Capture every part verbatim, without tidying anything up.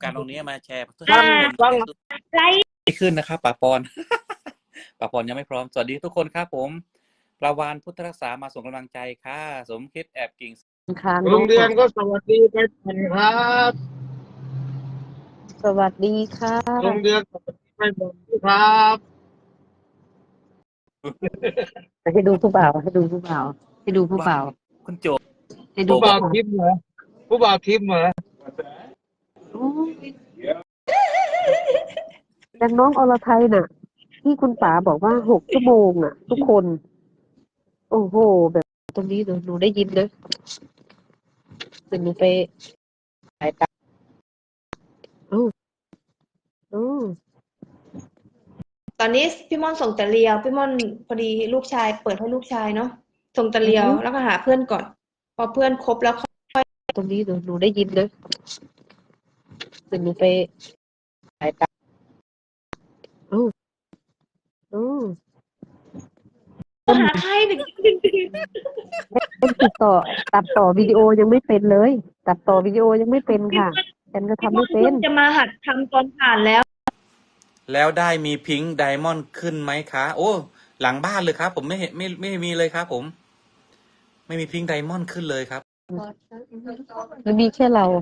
การณ์ตรงนี้มาแชร์เพื่อฟัให้งทุกคนฟังไลฟ์ดีขึ้นนะครับป๋าปอน ป๋าปอนยังไม่พร้อมสวัสดีทุกคนครับผมปลาวานพุทธรักษามาส่งกำลังใจค่ะสมคิดแอบกิ่งค้างโรงเรียนก็สวัสดีไปก่อนครับสวัสดีค่ะโรงเรียนสวัสดีไปก่อนครับให้ดูผู้บ่าวให้ดูผู้บ่าวให้ดูผู้บ่าวคุณโจให้ดูผู้บ่าวทิพย์เหรอผู้บ่าวทิพย์เหรอโอ้ดังน้องอรไทยน่ะ ที่คุณป๋าบอกว่าหกชั่วโมงน่ะ ทุกคน โอ้โห แบบตรงนี้หนูหนูได้ยินนะเป็นหนูไปสายตาโอ้โอ้ตอนนี้พี่ม่อนส่งแต่เรียวพี่ม่อนพอดีลูกชายเปิดให้ลูกชายเนาะส่งแต่เรียวแล้วก็หาเพื่อนก่อน พอเพื่อนครบแล้วตรงนี้หนูหนูได้ยินนะเป็นหนูไปสายตาโอ้โอ้หาใครหนึ่งเป็นติดต่อตัดต่อวิดีโอยังไม่เป็นเลย ตัดต่อวิดีโอยังไม่เป็นค่ะฉันก็ทำไม่เป็นจะมาหัดทำตอนผ่านแล้วแล้วได้มีพิงค์ไดมอนด์ขึ้นไหมคะ โอ้หลังบ้านเลยครับ ผมไม่เห็นไม่ไม่มีเลยครับ ผม ไม่มีพิงค์ไดมอนด์ขึ้นเลยครับมันมีแค่เรา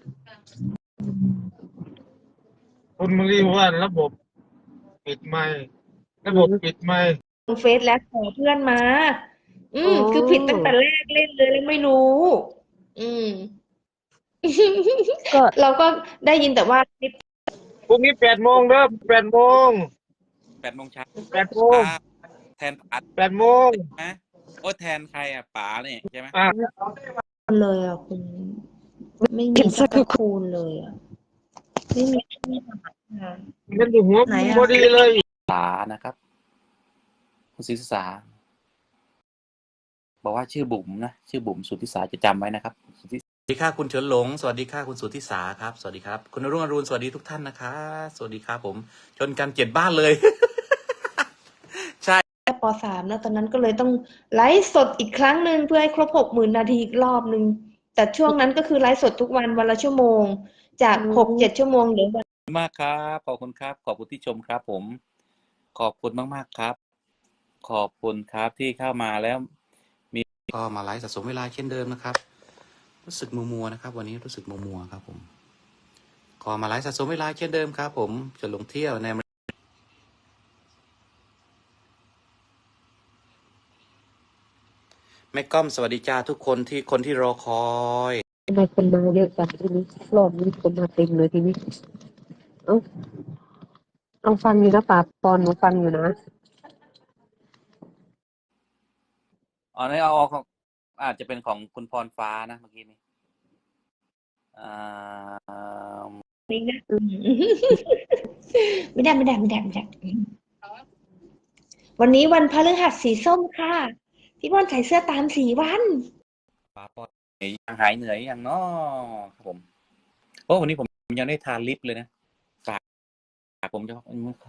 คุณมารีว่าระบบปิดไม่ระบบปิดไม่ลงเฟซแล้วขอเพื่อนมา อืมโอ้คือผิดตั้งแต่แรกเล่นเลยแล้วไม่รู้ อืมก็เราก็ได้ยินแต่ว่าคลิปพรุ่งนี้แปดโมงเด้อแปดโมงแปดโมงเช้าแปดโมงแทนป๋าแปดโมงนะโอ้แทนใครอ่ะป๋าเนี่ยใช่ไหมอ่ะเลยอ่ะคุณไม่มีสักคูณเลยอ่ะไม่มีมันอยู่หัวไหนอะพอดีเลยสานะครับ คุณศรีสาบอกว่าชื่อบุ๋มนะชื่อบุ๋มสุทธิสาจะจำไว้นะครับสุทธิสวัสดีค่ะคุณเฉินหลงสวัสดีค่ะคุณสุทธิสาครับสวัสดีครับคุณอรุ่งอรุณสวัสดีทุกท่านนะคะสวัสดีครับผมชนกันเจ็ดบ้านเลย ใช่แค่ปสามนะตอนนั้นก็เลยต้องไลฟ์สดอีกครั้งหนึ่งเพื่อให้ครบหกหมื่นนาทีอีกรอบหนึ่งแต่ช่วงนั้นก็คือไลฟ์สดทุกวันวันละชั่วโมง จากอืมหกเจ็ดชั่วโมงเหลือวันมากครับขอบคุณครับขอบคุณที่ชมครับ ผม ขอบคุณมากๆครับ ขอบคุณครับที่เข้ามาแล้ว มีก็มาไลฟ์สะสมเวลาเช่นเดิมนะครับ รู้สึกมัวมัวนะครับ วันนี้รู้สึกมัวมัวครับผมขอมาไลฟ์สะสมเวลาเช่นเดิมครับ ผมจะลงเที่ยวในแม่ก้อมสวัสดีจ้าทุกคนที่คนที่รอคอยทำไมคนมาเยอะจังทีนี้รอบนี้คนมาเต็มเลยทีนี้เอ้าลองฟังอยู่นะป่าปอนหนูฟังอยู่นะอ๋อนี่เอาเอาของอาจจะเป็นของคุณพรฟ้านะเมื่อกี้นี้อ่านี้นะอืม ไม่ได้ไม่ได้ไม่ได้ไม่ได้วันนี้วันพฤหัสสีส้มค่ะพี่บอลใส่เสื้อตามสีวันป้าปอนยังหายเหนื่อยยังเนาะครับผมโอ้วันนี้ผมยังได้ทานลิปเลยนะฝากฝากผมจะ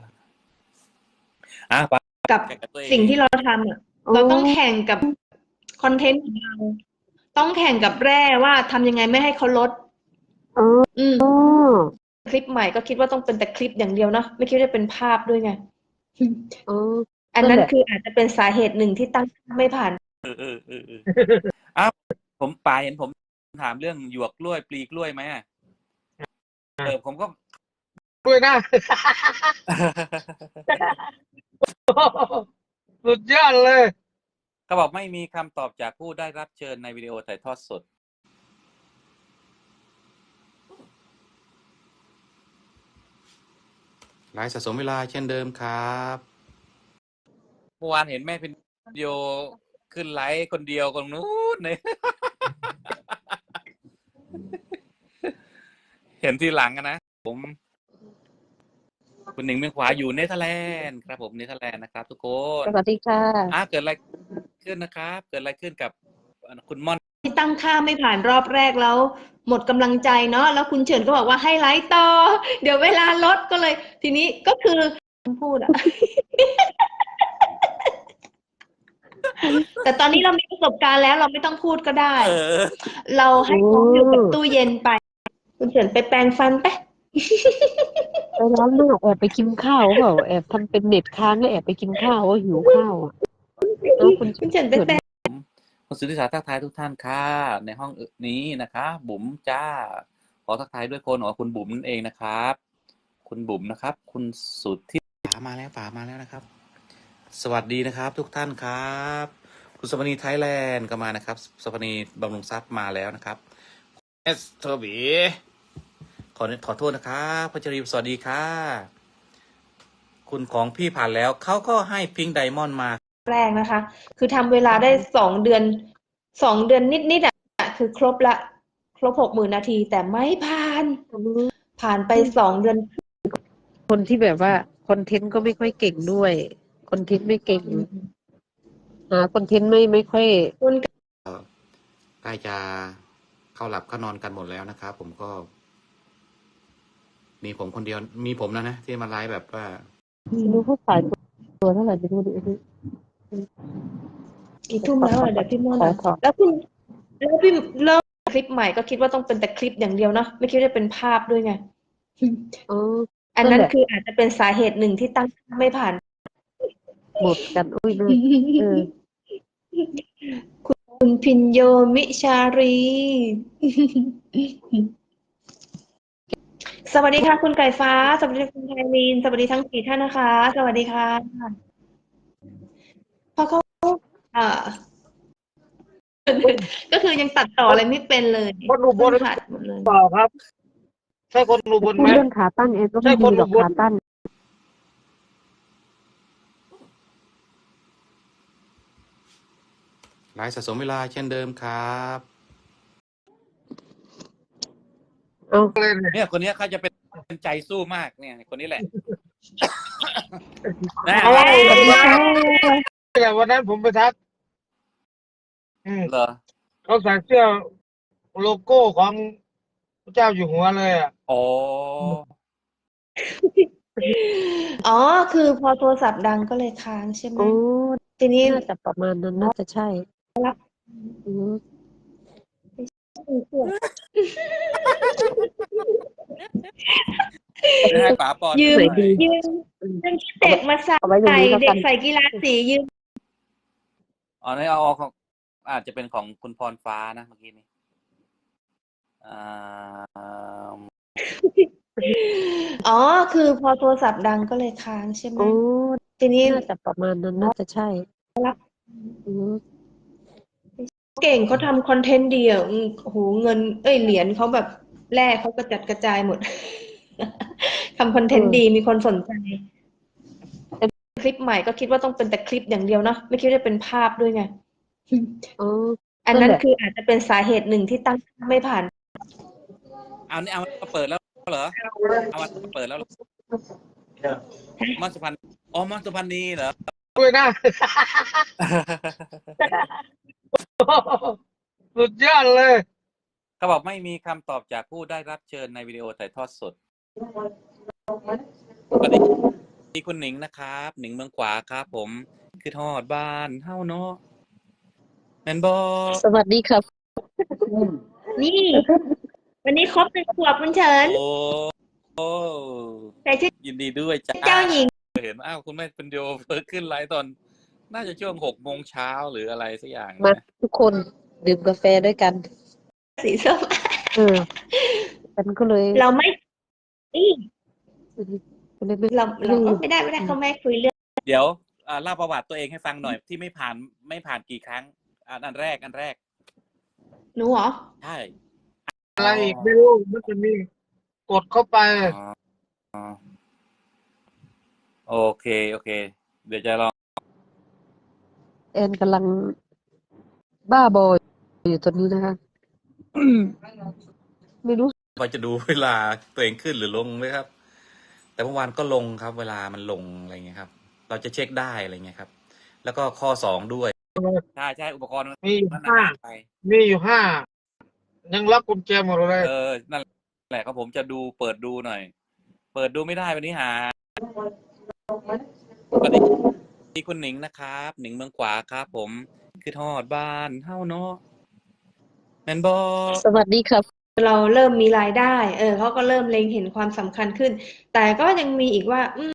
อ่ะป้ากับแข่งกับตัวเองสิ่งที่เราทำอ่ะโอ้เราต้องแข่งกับคอนเทนต์ของเรา ต้องแข่งกับแร่ว่าทำยังไงไม่ให้เขาลดเอออืมอ๋อคลิปใหม่ก็คิดว่าต้องเป็นแต่คลิปอย่างเดียวเนาะไม่คิดว่าจะเป็นภาพด้วยไงอ๋ออันนั้นนั่นแหละคืออาจจะเป็นสาเหตุหนึ่งที่ตั้งไม่ผ่านเออเออเออเอออ้าวผมป่าเห็นผมถามเรื่องหยวกกล้วยปลีกล้วยไหมอะเออผมก็ด้วยนะ สุดยอดเลยเขาบอกไม่มีคำตอบจากผู้ได้รับเชิญในวิดีโอถ่ายทอดสดไลฟ์สะสมเวลาเช่นเดิมครับเมื่อวานเห็นแม่เป็นวิดีโอขึ้นไลฟ์คนเดียวตรงนู้นเลย เห็นทีหลังอะนะผมคุณหนิงเมืองขวาอยู่เนเธอร์แลนด์ครับผมเนเธอร์แลนด์นะครับ ทุกคนสวัสดีค่ะอ่ะเกิดอะไรขึ้นนะครับ เกิดอะไรขึ้นกับคุณม่อนที่ตั้งค่าไม่ผ่านรอบแรกแล้ว หมดกำลังใจเนาะแล้วคุณเฉินก็บอกว่าให้ไลฟ์ต่อ เดี๋ยวเวลาลดก็เลย ทีนี้ก็คือพูดอะ แต่ตอนนี้เรามีประสบการณ์แล้วเราไม่ต้องพูดก็ได้เออเราให้ของอยู่กับตู้เย็นไป คุณเฉินไปแปรงฟันไปไปร้านหน้าแอบไปกินข้าวเปล่าแอบทำเป็นเน็ตค้างแล้วแอบไปกินข้าวว่าหิวข้าวอ่ะเอาคุณคุณเฉินไปเฉินแปลคุณสุริศาทักทายทุกท่านค่ะในห้องนี้นะคะ บุ๋มจ้า ขอทักทายด้วยคนของคุณบุ๋มนั่นเองนะครับ คุณบุ๋มนะครับ คุณสุทธิป๋ามาแล้วป๋ามาแล้วนะครับ สวัสดีนะครับ ทุกท่านครับ คุณสวนีไทยแลนด์ก็มานะครับสวนีบำรุงทรัพย์มาแล้วนะครับเอสโทบีขอขอโทษนะครับพัชรีสวัสดีค่ะ คุณของพี่ผ่านแล้วเขาก็ให้พิงค์ไดมอนด์มาแรกนะคะ คือทำเวลาได้สองเดือนสองเดือนนิดๆอ่ะคือครบละครบหกหมื่นนาที แต่ไม่ผ่าน ผ่านไปสองเดือนคนที่แบบว่าคอนเทนต์ก็ไม่ค่อยเก่งด้วยคอนเทนต์ไม่เก่งหาคอนเทนต์ไม่ไม่ค่อยใกล้จะเข้าหลับเข้านอนกันหมดแล้วนะครับ ผมก็ มีผมคนเดียวมีผมนะนะที่มาไลฟ์แบบว่าไม่รู้เขาขายตัวเท่าไหร่ไม่รู้ดิกี่ทุ่มแล้วอ่ะเดี๋ยวพี่ม่อนขออ่ะขอแล้วคุณแล้วพี่เริ่มคลิปใหม่ก็คิดว่าต้องเป็นแต่คลิปอย่างเดียวเนาะไม่คิดว่าจะเป็นภาพด้วยไงอ๋ออันนั้นคืออาจจะเป็นสาเหตุหนึ่งที่ตั้งไม่ผ่านหมดกันอุ้ยนะเออคุณพินโยมิชารี สวัสดีค่ะคุณไก่ฟ้า สวัสดีคุณไทมีน สวัสดีทั้งสี่ท่านนะคะ สวัสดีค่ะเพราะเขาเอ่อ ก็คือยังตัดต่ออะไรไม่เป็นเลยคนอุบลขาดหมดเลยเปล่าครับ ใช่คนอุบลพูไหดมเรื่องขาตั้งเองก็ใช่ไม่คดีนหรอุอกบลขาตั้งไลฟ์สะสมเวลาเช่นเดิมครับเอาเลยเนี่ยเนี่ยคนเนี้ยเขาจะเป็นใจสู้มากเนี่ยคนนี้แหละ นะเอาสวัสดีค่ะแต่วันนั้นผมไปทักอืมเหรอเขาใส่เสื้อโลโก้ของพระเจ้าอยู่หัวเลยอ่ะอ๋ออ๋อ คือพอโทรศัพท์ดังก็เลยค้างใช่ไหมโอ้ทีนี้น่าจะประมาณนั้นน่าจะใช่อืมให้ป๋าปอนยืมหน่อยดียืมยืมเด็กมาใส่เอาไว้อย่างนี้แล้วเด็กักนใส่กีฬาสียืมอ๋อนี่เอาเอาของอาจจะเป็นของคุณพรฟ้านะเมื่อกี้นี้อ่าอ๋อ คือพอโทรศัพท์ดังก็เลยค้างใช่ไหมโอ้ทีนี้น่าจะประมาณนั้นน่าจะใช่อืมเก่งเขาทำคอนเทนต์ดีอ่ะอืมโอ้โหเงิน เอ้ยเหรียญเขาแบบแรกเขากระจัดกระจายหมด ทำคอนเทนต์ดีมีคนสนใจ คลิปใหม่ก็คิดว่าต้องเป็นแต่คลิปอย่างเดียวเนาะไม่คิดว่าจะเป็นภาพด้วยไงอ๋ออันนั่นั้น นแหละคืออาจจะเป็นสาเหตุหนึ่งที่ตั้งไม่ผ่านเอานี่เอามาเปิดแล้วเหรอเอามาเปิดแล้วเหรอมอนสุพรรณอ๋อมอนสุพรรณีเหรอด้วยนะ สุดยอดเลยเขาบอกไม่มีคำตอบจากผู้ได้รับเชิญในวิดีโอถ่ายทอดสดสวัสดีคุณหนิงนะครับหนิงเมืองขวาครับ ผมคือทอดบ้านเฮ้าเนาะแมนบอสวัสดีครับนี่ วันนี้ครบหนึ่งขวบคุณเฉินโอ้โอ้ใส่ชื่อยินดีด้วยจ้าเจ้าหญิงเห็นอ้าวคุณแม่เป็นโยเพิ่งขึ้นไลฟ์ตอน น่าจะช่วงหกโมงเช้าหรืออะไรสักอย่างมานะทุกคนดื่มกาแฟด้วยกันสีส้มเออฉันก็เลยเราไม่นี่ก็เลยไม่เราเราก็ไม่ได้ไม่ได้เขาไม่คุยเรื่องเดี๋ยวอ่าเล่าประวัติตัวเองให้ฟังหน่อยที่ไม่ผ่านไม่ผ่านกี่ครั้งอันอันแรกอันแรกหนูเหรอใช่อะไรอีกไม่รู้มันจะมีกดเข้าไปอ๋ออ๋อโอเคโอเค เดี๋ยวจะลองแอนกำลังบ้าบออยู่ตอนนี้นะคะ ไม่รู้พอจะดูเวลาตัวเองขึ้นหรือลงไหมครับ แต่เมื่อวานก็ลงครับ เวลามันลงอะไรเงี้ยครับ เราจะเช็คได้อะไรเงี้ยครับ แล้วก็ข้อสองด้วยใช่ใช่อุปกรณ์มีอยู่มันห้าหายไปมีอยู่ห้า ยังล็อกกุญแจหมดเลยเออ นั่นแหละครับผมจะดูเปิดดูหน่อย เปิดดูไม่ได้วันนี้หาสวัสดีคุณหนิงนะครับ หนิงเมืองขวาครับ ผมคือทอดบ้านเฮ้าเนาะแมนบอสวัสดีครับเราเริ่มมีรายได้ เออเขาก็เริ่มเล็งเห็นความสำคัญขึ้น แต่ก็ยังมีอีกว่า อืม